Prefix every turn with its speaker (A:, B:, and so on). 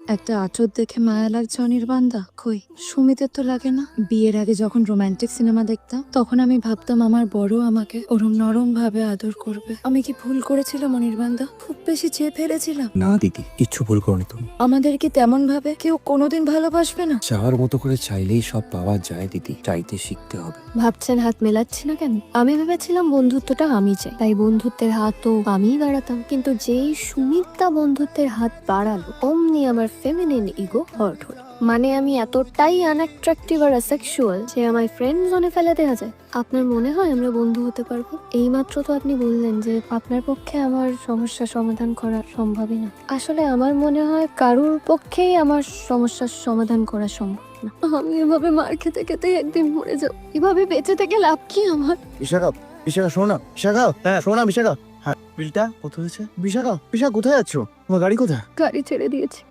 A: একটা আচর দেখে মায়া লাগছে অনির্বাণদা? কই, সুমিতের তো লাগে না। বিয়ের আগে যখন রোমান্টিক সিনেমা দেখতাম তখন আমি ভাবতাম আমার বড় আমাকে ওরম নরম ভাবে আদর করবে। আমি কি ভুল করেছিলাম অনির্বাণদা? খুব বেশি চেয়ে ফেলেছিলাম?
B: না দিদি, কিচ্ছু ভুল করনি তুমি।
A: আমাদের কি তেমন ভাবে কেউ কোনোদিন ভালোবাসবে না?
B: চাওয়ার মতো করে চাইলেই সব পাওয়া যায় দিদি, চাইতে শিখতে হবে।
C: ভাবছেন হাত মেলাচ্ছি না কেন? আমি ভেবেছিলাম বন্ধুত্বটা আমি চাই, তাই বন্ধুত্বের হাতও আমিই বাড়াতাম। কিন্তু যেই সুমিতা বন্ধুত্বের হাত বাড়ালো, অমনি আমার ফেমিনিন ইগো হার্ট হলো। মানে আমি এতটাই আনঅ্যাট্রাকটিভ আর অ্যাসেক্সুয়াল যে আমার ফ্রেন্ড জোনে ফেলে দেওয়া যায়। আপনার মনে হয় আমরা বন্ধু হতে পারবো? এইমাত্র তো আপনি বললেন যে আপনার পক্ষে আমার সমস্যা সমাধান করা সম্ভবই না। আসলে আমার মনে হয় কারোর পক্ষেই আমার সমস্যার সমাধান করা সম্ভব না। আমি এভাবে মার খেতে খেতে একদিন মরে যাব। এভাবে বেঁচে থেকে লাভ কি আমার?
D: বিশাখা, বিশাখা শোনো না, বিশাখা, হ্যাঁ শোনো না বিশাখা। হ্যাঁ, বিলটা কত হয়েছে? বিশাখা, বিশাখা কোথায় যাচ্ছ? তোমার গাড়ি কোথায়?
C: গাড়ি ছেড়ে দিয়েছি।